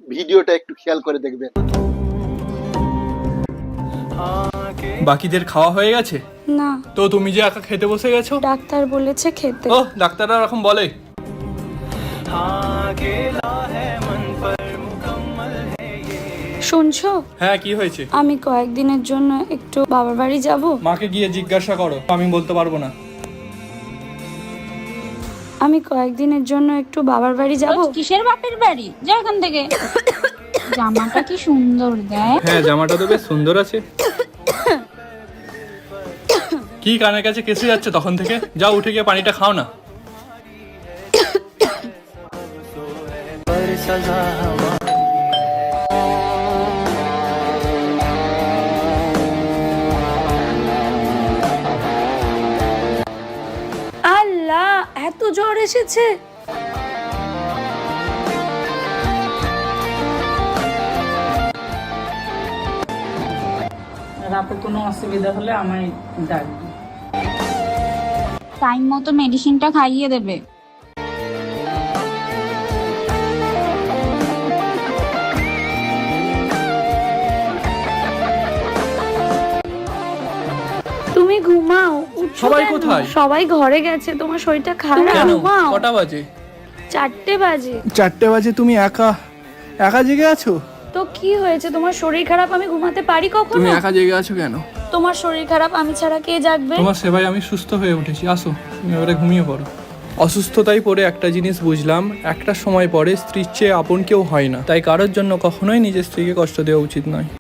ভিডিওটা একটু খেয়াল করে দেখবেন। বাকিদের খাওয়া হয়ে গেছে? না, তো তুমি যে একা খেতে বসে গেছো? ডাক্তার বলেছে খেতে। ও, ডাক্তাররা এরকম বলে? শুনছো? হ্যাঁ, কি হয়েছে? আমি কয়েকদিনের জন্য একটু বাবার বাড়ি যাব। মাকে গিয়ে জিজ্ঞাসা করো, আমি বলতে পারবো না। আমি কয়েকদিনের জন্য একটু বাবার বাড়ি যাব। কিসের বাপের বাড়ি? যা এখান থেকে। জামাটা কি সুন্দর দেখ। হ্যাঁ, জামাটা তো বেশ সুন্দর আছে। কি কানের কাছে কেসে যাচ্ছে তখন থেকে? যাও, উঠে গিয়ে পানিটা খাও না। আল্লাহ, এত জ্বর এসেছে। রাতে কোনো অসুবিধা হলে আমায় ডাকবি। টাইম মতো মেডিসিনটা খাইয়ে দেবে। তুমি ঘুমাও। উঠছো সবাই কেন? কোথায়? সবাই ঘরে গেছে, তোমার শরীরটা খারাপ। কেন? ঘুমাও। কটা বাজে? 4টে বাজে। 4টে বাজে? তুমি একা একা জেগে আছো? তো কি হয়েছে? তোমার শরীর খারাপ, আমি ঘুমাতে পারি কখনো? তুমি একা জেগে আছো কেন? তোমার শরীর খারাপ, আমি ছাড়া কে জাগবে? তোমার সেবায় আমি সুস্থ হয়ে উঠেছি। আসো, তুমি এবারে ঘুমিয়ে পড়ো। অসুস্থতায় পড়ে একটা জিনিস বুঝলাম, একটা সময় পরে স্ত্রীর চেয়ে আপন কেউ হয় না। তাই কারোর জন্য কখনোই নিজের স্ত্রীকে কষ্ট দেওয়া উচিত নয়।